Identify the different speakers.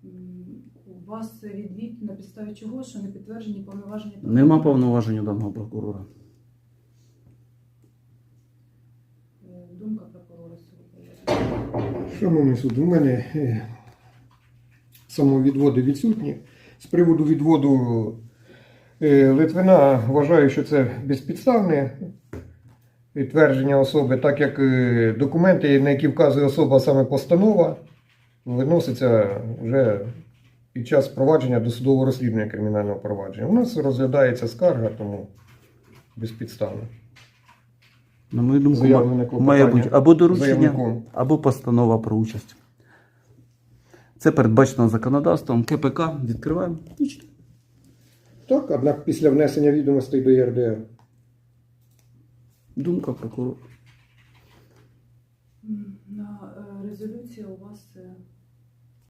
Speaker 1: У вас відвід на підставі чого, що не підтверджені повноваження прокурора?
Speaker 2: Нема повноважень у даного прокурора.
Speaker 1: Думка прокурора з цього приводу.
Speaker 3: Шановний суд, у мене самовідводи відсутні. З приводу відводу Литвина вважаю, що це безпідставне твердження особи, так як документи, на які вказує особа, саме постанова, виноситься вже під час провадження досудового розслідування кримінального провадження. У нас розглядається скарга, тому безпідставно.
Speaker 2: На мою думку,
Speaker 3: Заявлене
Speaker 2: має бути або доручення,
Speaker 3: заявником.
Speaker 2: або постанова про участь. Це передбачено законодавством. КПК відкриваємо. І читаємо.
Speaker 3: Так, однак після внесення відомостей до ЄРДР.
Speaker 2: Думка прокурора.